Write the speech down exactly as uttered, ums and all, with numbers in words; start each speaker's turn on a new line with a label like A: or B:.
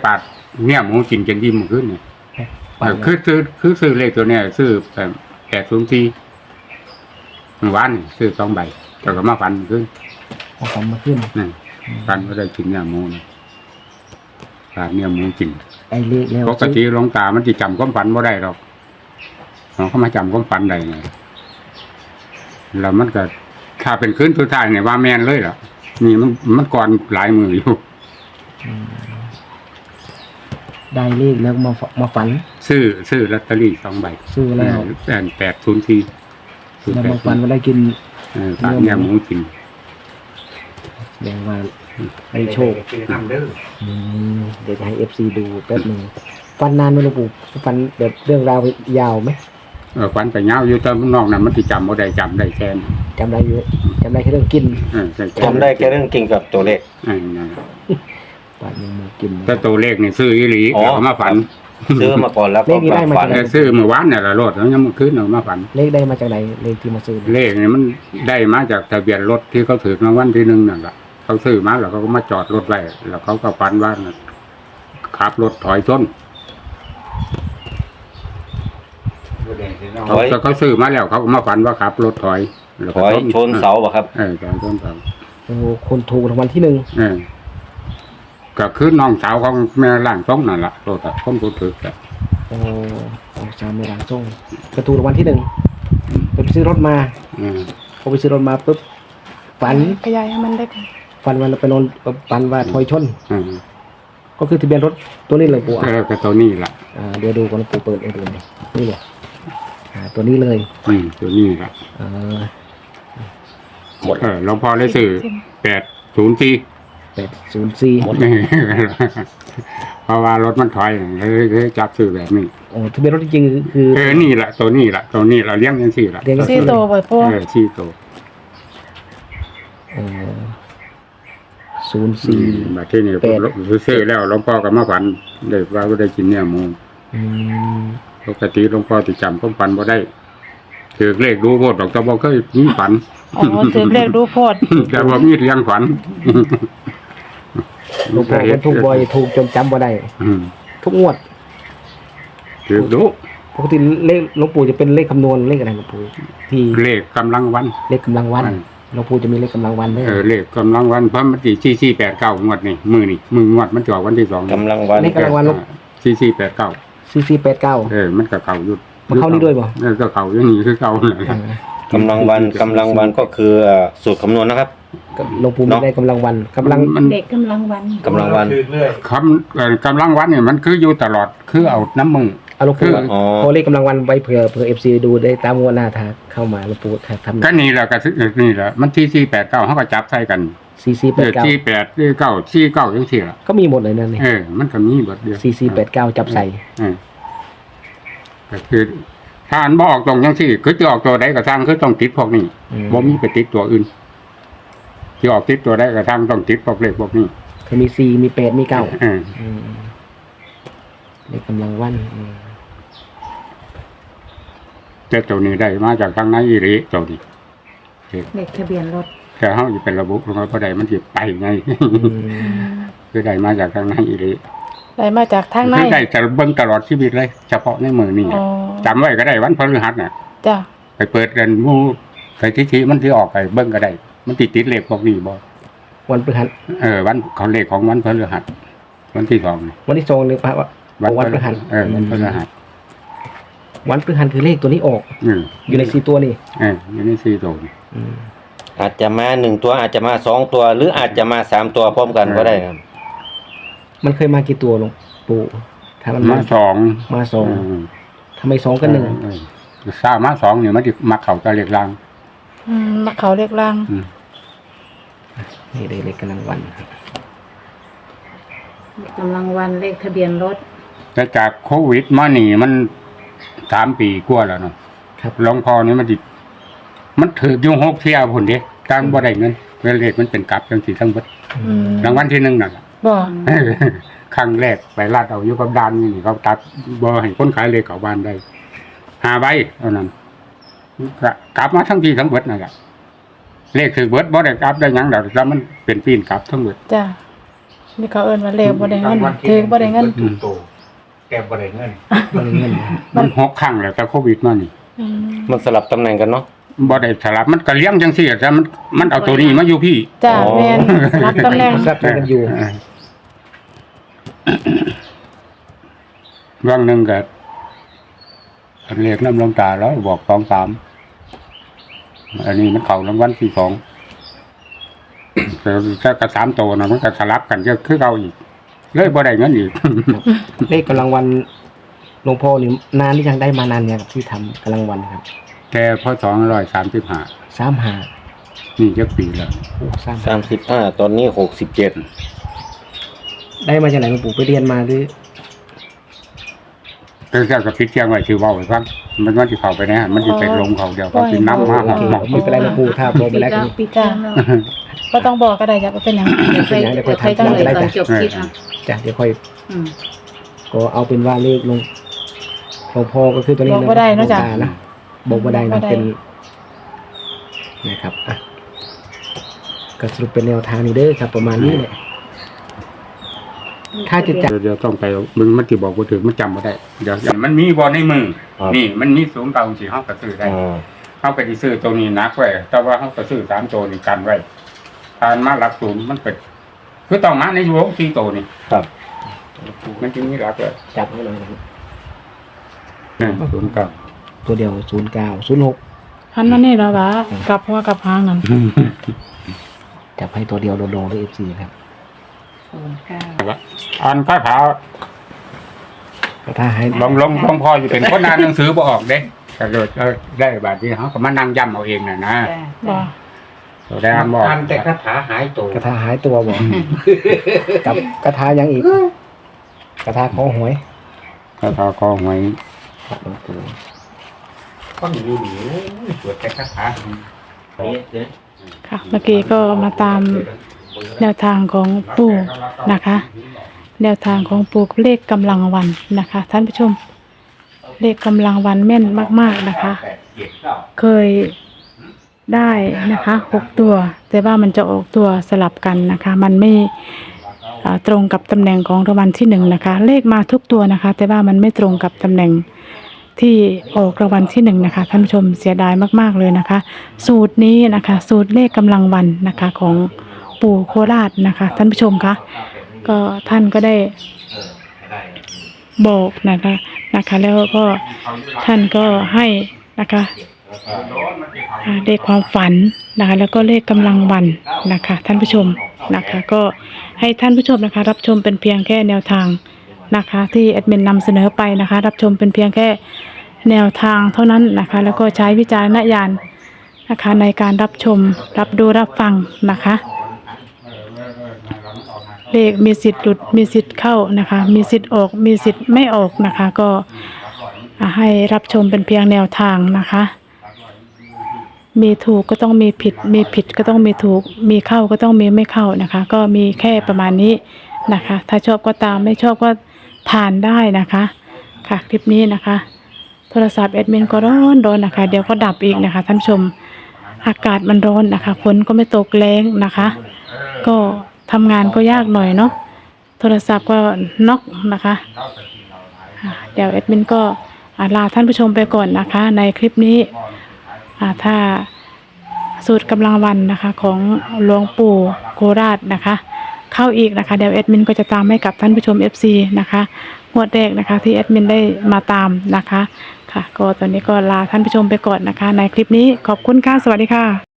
A: ปาดเนี่ยหมูกินจนยิ้มขึ้นเนี่ยคือซื้อคือซื้อเลขตัวเนี้ยซื้อแบบแปดศูนย์สี่วันซื้อสองใบแต่ก็มาฟันขึ้น
B: เอาฝันมาขึ้น
A: นี่ฟันก็ได้กินเนี่ยหมูนะปาดเนี่ยหมูกิน
B: ไอ้เลขแล้ว
A: ปกติหลวงตามันจะจำความฝันบ่ได้หรอกเขามาจำความฝันได้ไงแล้วมันก็ถ้าเป็นคืนสุดท้ายเนี่ยว่าแมนเลยเหรอนี่มันมันก่อนหลายมืออยู่
B: ได้เลขแล้วมามาฝัน
A: ซื้อซื้อลอตเตอรี่สองใบ
B: ซื้อแล้ว
A: แปดแปดศูนย์สี่ศูนย์
B: แล้ว
A: แปด
B: มาฝันว่าได้กิน
A: เออปากเนี่ยหมูกิน
B: แสดงว่าได้โชคอืมเดี๋ยวจะให้เอฟซีดูแป๊บหนึ่งฟันนานไหมหลวงปู่ฟันแบบเรื่องราวยาวไหม
A: เออฝันไปเงาอยู่ตอนนอกนั้นมันจะจำบ่ได้จำได้แค่นั้น
B: จำได้อยู่จำได้แค่เรื่องกิน
A: เออใช่
C: จำได้แค่เรื่องเก่งกับตัวเลข
A: เออนั่นแหละ
B: ปาดยังมือกิน
A: แต่ตัวเลขนี่ซื้ออีหลี
C: อ๋อ
A: แล้วก็มาฝัน
C: ซื้อมาก่อนแล้วก็มาฝัน
A: แต่ซื้อเมื่อวานเนี่ยละรถแล้วยังเมื่อคืนเอามาฝัน
B: เลขได้มาจากไหนเลขที่มาซื้อ
A: เลขนี่มันได้มาจากทะเบียนรถที่เขาถือรางวัลที่หนึ่งนั่นแหละเขาซื้อมาแล้วเขาก็มาจอดรถไว้แล้วเขาก็ฝันว่าขับรถถอยชน
C: ถอย
A: เขาเขาซื้อมาแล้วเขาก็มาฝันว่าขับรถถอยแล้ว
C: ถ
A: ก็
C: อยชนเสาป่ะครับ
A: เออถอยชนเสา
B: โอ้คนถูกรางวัลที่หนึ่ง
A: เออก็คือน้องสาวของแม่ล่างทรงนั่นแหละรถอะคนผู้ถือแต่
B: โอ้ของชาวเมรังส่งกระถูกรางวัลที่หนึ่งไปซื้อรถมา
A: เออ
B: พอไปซื้อรถมาปุ๊บฝัน
D: ขยายให้มันได้ก่อน
B: ฝันว่าเราไปนอนฝันว่าถอยชน
A: เออ
B: ก็คือทะเบียนรถตัวนี้เลยปู่
A: เอ
B: อ่ะ
A: อก็ตัวนี้แหละ
B: อ่าเดี๋ยวดูก่อนปู่เปิดให้ดูหน่อยนี่แหละอ่าตัวนี้เลย
A: อืมตัวนี้แหละ
B: อ่า
C: หมด
A: เออหลวงพ่อได้ซื้อแปดศูนย์สี่
B: แปดศูนย์สี่
A: เพราะว่ารถมันถอยเลยเลยจับซื้อแบบนี้
B: โอ้ทะเบียนรถจริงๆคือ
A: เออนี่แหละตัวนี้แหละตัวนี้เราเลี้ยงกันสี่ละ
B: เรียงกัน
D: สี่โตบ่พ่อ
A: เออสี่ตัว
B: ศูนย์สี่
A: แบบที่นี่
B: แปด
A: ซื้อแล้วหลวงพ่อก็มาฝันเด็กว่าก็ได้กินเนี่ยหมู
B: อืม
A: ปกติหลวงพ่อติจำความฝันบ่ได้ถือเลขดูโพดดอกตะบอกเคยมีฝัน
D: อ๋อถือเลขดูโพด
A: แต่ว่ามีเลี้ยงฝัน
B: หลวงพ่อมันถูกบ่อยถูกจนจำบ่ได้
A: อืม
B: ทุกงวด
A: ถือดู
B: ปกติเลขหลวงปู่จะเป็นเลขคำนวณเลขอะไรหลวงปู่ที่
A: เลขกำลังวัน
B: เลขกำลังวัน
A: อืม
B: หลวงปู่จะมีเลขกำลังวันด้วย
A: เออเลขกำลังวันเพราะมันสี่สี่สี่แปดเก้างวดนี่มือนี่มืองวดมันจะออกวันที่สอง
C: กำลังวัน
B: เลขกำลังวันลูก
A: สี่สี่แปดเก้า
B: สี่สี่แปดเก้า
A: เออมันก็เก่าอยู่
B: มันเข้านี่ด้วยป่ะ
A: เออก็เก่าอย่างนี้คือเก่าแหละ
C: กำลังวันกำลังวันก็คือเอ่อสูตรคำนวณนะครับ
B: หลวงปู่ไม่ได้กำลังวันกำลัง
A: มัน
D: เด็กกำลังวัน
C: กำลังวัน
A: คำเอ่อกำลังวันเนี่ยมันคืออยู่ตลอดคือเอาน้ำมือ
B: เอาหลวงปู่
A: คือ
C: อ๋อ
B: พอเลขกำลังวันไว้เผื่อเผื่อเอฟซีดูได้ตามงวดหน้าถ้าเข้ามาหลวงปู่ถ้าทำ
A: ก็นี่แหละก็คือนี่แหละมันที่สี่แปดเก้าเขาก็จับใส่กัน
B: สี่สี่แป
A: เอ
B: ด
A: อ
B: เก้า
A: ที่แปดที่เก้าที่เก้าจังสี่ละ
B: ก็มีหมดเลยนั่นนี่
A: เออ มันก็มีเบทเดียว
B: สี่สี่แปดเก้าจับใส่
A: เออก็คือถ้าอันบออกตรงจังสี่คือจะออกตัวใดก็ทางคือต้องติดพวกนี้
B: อืม
A: บ่มีไปติดตัวอื่นที่ออกติดตัวใดก็ทางต้องติดพวกเลขพวกนี้
B: คือมีสี่มีแปดมีเก้า
A: เออ
B: อืมเลขกำลังวันอืม
A: แต่ตัวนี้ได้มาจากทางไหนอีหลีตัวนี้
D: เลขทะเบียนรถ
A: แต่เฮาสิเป็นระบบของเขาบ่ได้มันสิไปไง
B: อืม
A: คือได้มาจากทางไหนอีหลี
D: ได้มาจากทางใน
A: คือได้จะเบิ่งตลอดชีวิตเลย เฉพาะในมือนี่
D: อ๋อ
A: จำไว้ก็ได้วันพฤหัสน่ะ
D: จ้ะ
A: ไปเปิดกันหมู่ไปที่ที่มันสิออกไปเบิ่งก็ได้ มันติดติดเลขพวกนี้บ่
B: วันพฤหัส
A: เออวันเขาเลขของวันพฤหัสวันที่สองนี่
B: วันที่สองเลยพระว่าวันพฤหัส
A: เออวันพฤหัส
B: วันพฤหัสคือเลขตัวนี้ออก
A: อืม
B: อยู่ในสี่ตัวนี่
A: เอออยู่ในสี่ตัว
B: อืม
C: อาจจะมาหนึ่งตัวอาจจะมาสองตัว หรืออาจจะมาสามตัวพร้อมกันก็ได้ครับ
B: มันเคยมากี่ตัวหลวงปู่ถ้ามัน
A: มา
B: มา
A: สอง
B: มาสอง
A: เออ
B: ทำไมสองกับหนึ่ง
A: เออเออสามมาสองเนี่ยมันสิมาเข้ากับเลขล่าง
D: อืมมาเขาเลขล่าง
A: อืม
B: นี่เลยเลขกำลังวันครับ
D: กำลังวันเลขทะเบียนรถ
A: แต่จากโควิดมานี่มันสามปีกว่าแล้วเนาะ
B: ครับ
A: หลวงพ่อนี่มันดิมันถืออยู่หกเที่ยวพุ่นเด้ตามบ่ได้เงินเวลาเลขมันเป็นกลับจังซี่ทั้งเบิด
D: อืม
A: รางวัลที่หนึ่งนั่นล่ะ
D: บ่
A: ครั้งแรกไปลาดเอาอยู่กับดานนี่เขาตัดบ่ให้คนขายเลขเข้าบ้านได้หาใบเท่านั้นก็กลับมาทั้งทีทั้งเบิดนั่นแหละเลขถือเบิดบ่ได้กลับได้หยังดอกแต่มันเป็นปีนกลับทั้งเบิด
D: จ้ะนี่เขาเอิ้นว่าเลขบ่ได้เงินถือบ่ได้เงิน
E: ถูกโตแต่บ่ได้เงิน
B: บริเงินนะ
A: มันหกครั้งแล้วแต่โควิดมานี่
D: อืม
C: มันสลับตำแหน่งกันเนาะ
A: บ่ได้สลับมันก็เลี้ยงจังซี่แต่มันมันเอาตัวนี้มาอยู่พี่
D: จ้า
C: อ๋อ
D: แม่นรับตำแหน่ง
B: ทรัพย์กันอยู่
A: เรื่องหนึงก็เรียกน้ำลงตาแล้วบอกสองสามอันนี้มันเข้ารางวัลที่สองแต่ถ้ากระสามตัวนะมันก็สลับกันก็คือเอาอีกเลยบ่ได้เงินอีก
B: เลขกำลังวันหลวงพ่อนี่นานที่ยังได้มานานเนี่ยครับที่ทำกำลังวันครับ
A: แต่พอสองร้อยสามสิบห้า
B: สามหา
A: นี่จะปีแล้ว
B: โอ้สาม
C: สามสิบห้าตอนนี้หกสิบเจ็ด
B: ได้มาจากไหนหลวงปู่ไปเรียนมาหรือ
A: แต่เจ้ากับพิษเที่ยงไว้ชื่อเว่าไว้ฟังมันมันจะเข้าไปนะมันจะไปลงเขาเดียวเขากินน้ำมาห
B: โอ
A: อม
B: เค
A: หอม
B: ไม่เป็นไรหลวงปู่ถ้าพอไปแล้วก็
D: ปิดจ้าก็ต้องบอกก็ได้จ้ะว่าเป็นหยัง
B: เดี๋ยวไปเดี๋ยวไปทำ
D: ต้อง
B: ก็ได้
D: ตอน
B: จ้ะ
D: จบคลิปอ่ะ
B: จ้ะเดี๋ยวค่อย
D: อืม
B: ก็เอาเป็นว่าเลขหลวงหลวงพ่อก็คือตัวนี้
D: บอกบ่ได้เนอะจ๊ะ
B: หลวงตนะบอกบ่ได้
D: บอกบ่
B: นะ
D: ได้
B: เป็นนะครับอ่ะก็สรุปเป็นแนวทางนี้เด้อครับ ประมาณนี้แหละถ้าจะจับ
A: เดี๋ยวเดี๋ยวต้องไปมึงมันจะบอกว่าถึงมันจำไม่ได้เดี๋ยวมันมีบอลในมือ นี่มันมีสูงเก่าสี่ห้องก็ซื้อได้
C: อ่า
A: เขาก็จะซื้อตัวนี้นักไว้แต่ว่าเขาก็ซื้อสามตัวนี่กันไว้ทานมาหลักศูนย์มันเป็นคือต้องมาในวงสี่ตัวนี่
C: ครับ
A: มันจึงมีหลักเลย
B: จับให้หน่อยนะครับ
A: นี่ศูนย์เก้า
B: ตัวเดียวศูนย์เก้าศูนย์หก
D: หันมานี่แล้ววะกลับหัวกลับหางนั่น
B: จับให้ตัวเดียวโดนๆด้วยเอฟซีครับ
D: ศูนย์เก้า
A: อันข้าเท้า
B: ถ้าให้
A: ลงลงลงพออยู่เป็นคนนานหนังสือบ่ออกเด้แต่เกิดเออได้บาทที่เขาก็มานั่งย่ำเอาเองน่ะนะ
D: บ่
A: ตัวได้อ่านบอก
E: อันแต่คาถาหายโต
B: กระทาหายตัวบอกกับกระทายังอีก กระทาขอหวย
A: ข้าเท้าคอหวย
B: ครับหลวงปู่
E: ก็หนีหนีสวดแต่คาถา
D: ค่ะเมื่อกี้ก็มาตามแนวทางของปู่นะคะ แนวทางของปู่เลขกำลังวันนะคะ ท่านผู้ชม เลขกำลังวันแม่นมากๆนะคะ เคยได้นะคะหกตัว แต่ว่ามันจะออกตัวสลับกันนะคะ มันไม่อ่าตรงกับตำแหน่งของรางวัลที่หนึ่งนะคะ เลขมาทุกตัวนะคะ แต่ว่ามันไม่ตรงกับตำแหน่งที่ออกรางวัลที่หนึ่งนะคะท่านผู้ชมเสียดายมากๆเลยนะคะ สูตรนี้นะคะ สูตรเลขกำลังวันนะคะของปู่โคราชนะคะท่านผู้ชมคะก็ท่านก็ได้บอกนะคะนะคะ แล้วก็ท่านก็ให้นะคะอ่าเลขความฝันนะคะ แล้วก็เลขกำลังวันนะคะ ท่านผู้ชมนะคะ ก็ให้ท่านผู้ชมนะคะ รับชมเป็นเพียงแค่แนวทางนะคะ ที่แอดมินนำเสนอไปนะคะ รับชมเป็นเพียงแค่แนวทางเท่านั้นนะคะ แล้วก็ใช้วิจารณญาณนะคะในการรับชมรับดูรับฟังนะคะ เลขมีสิทธิ์หลุดมีสิทธิ์เข้านะคะ มีสิทธิ์ออกมีสิทธิ์ไม่ออกนะคะ ก็อ่าให้รับชมเป็นเพียงแนวทางนะคะ มีถูกก็ต้องมีผิด มีผิดก็ต้องมีถูก มีเข้าก็ต้องมีไม่เข้านะคะ ก็มีแค่ประมาณนี้นะคะ ถ้าชอบก็ตามไม่ชอบก็ผ่านได้นะคะ ค่ะคลิปนี้นะคะ โทรศัพท์แอดมินก็ร้อนร้อนนะคะ เดี๋ยวก็ดับอีกนะคะท่านผู้ชม อากาศมันร้อนนะคะฝนก็ไม่ตกแรงนะคะ ก็ทำงานก็ยากหน่อยเนาะโทรศัพท์ก็น็อกนะคะอ่าเดี๋ยวแอดมินก็อ่าลาท่านผู้ชมไปก่อนนะคะ ในคลิปนี้อ่าถ้าสูตรกำลังวันนะคะของหลวงปู่โคราชนะคะ เข้าอีกนะคะเดี๋ยวแอดมินก็จะตามให้กับท่านผู้ชม เอฟ ซี นะคะงวดแรกนะคะที่แอดมินได้มาตามนะคะค่ะก็ตอนนี้ก็ลาท่านผู้ชมไปก่อนนะคะ ในคลิปนี้ขอบคุณค่ะสวัสดีค่ะ